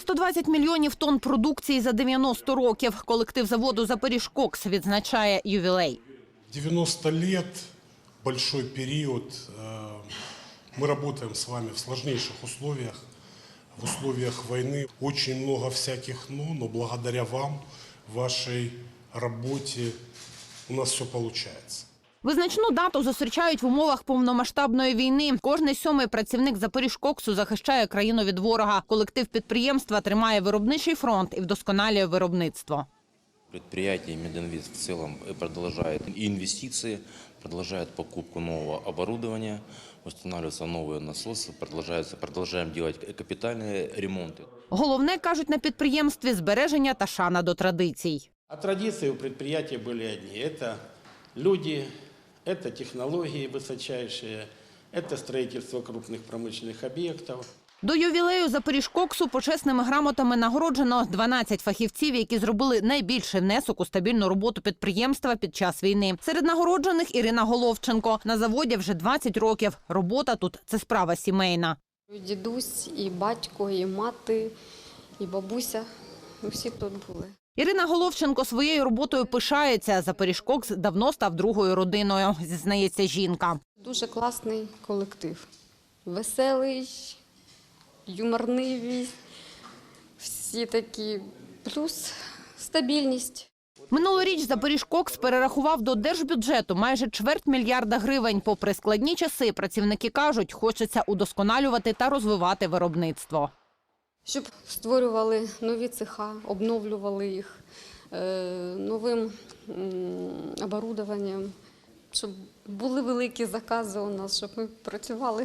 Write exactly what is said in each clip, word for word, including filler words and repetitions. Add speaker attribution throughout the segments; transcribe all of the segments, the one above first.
Speaker 1: сто двадцять мільйонів тонн продукції за дев'яносто років. Колектив заводу «Запоріжкокс» відзначає ювілей.
Speaker 2: девяносто лет, большой период. Мы работаем с вами в сложнейших условиях, в условиях войны. Очень много всяких «но», но благодаря вам, вашей работе у нас все получается.
Speaker 1: Визначну дату зустрічають в умовах повномасштабної війни. Кожний сьомий працівник «Запоріжкоксу» захищає країну від ворога. Колектив підприємства тримає виробничий фронт і вдосконалює виробництво.
Speaker 3: Предприятие «Мединвест» в целом продолжает инвестиции, продолжает покупку нового оборудования, устанавливаются новые насосы, продолжаем делать капитальные ремонты.
Speaker 1: Головне, кажуть на підприємстві, збереження та шана до традицій.
Speaker 4: А традиции у предприятия были одни. Это люди, это технологии высочайшие, это строительство крупных промышленных объектов.
Speaker 1: До ювілею «Запоріжкоксу» почесними грамотами нагороджено дванадцять фахівців, які зробили найбільший внесок у стабільну роботу підприємства під час війни. Серед нагороджених Ірина Головченко. На заводі вже двадцять років. Робота тут – це справа сімейна.
Speaker 5: Дідусь, і батько, і мати, і бабуся – всі тут були.
Speaker 1: Ірина Головченко своєю роботою пишається. «Запоріжкокс» давно став другою родиною, зізнається жінка.
Speaker 5: Дуже класний колектив. Веселий, юморнивий, всі такі, плюс стабільність.
Speaker 1: Минулоріч «Запоріжкокс» перерахував до держбюджету майже чверть мільярда гривень. Попри складні часи, працівники кажуть, хочеться удосконалювати та розвивати виробництво.
Speaker 5: Щоб створювали нові цеха, обновлювали їх новим оборудованням, щоб були великі закази у нас, щоб ми працювали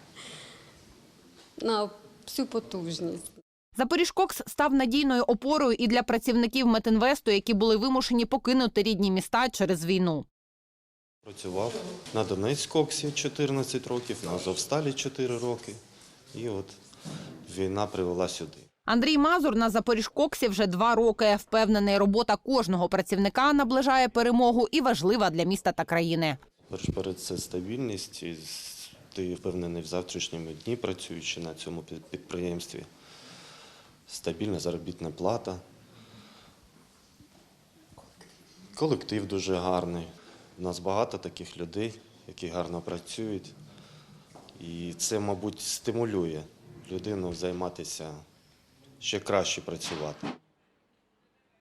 Speaker 5: на всю потужність.
Speaker 1: «Запоріжкокс» став надійною опорою і для працівників «Метінвесту», які були вимушені покинути рідні міста через війну.
Speaker 6: Працював на Донецькоксі чотирнадцять років, на Азовсталі чотири роки. І от війна привела сюди.
Speaker 1: Андрій Мазур на «Запоріжкоксі» вже два роки. Впевнений, робота кожного працівника наближає перемогу і важлива для міста та країни.
Speaker 6: Перед це стабільність. Ти впевнений в завтрашньому дні, працюючи на цьому підприємстві. Стабільна заробітна плата. Колектив дуже гарний. У нас багато таких людей, які гарно працюють. І це, мабуть, стимулює людину займатися, ще краще працювати.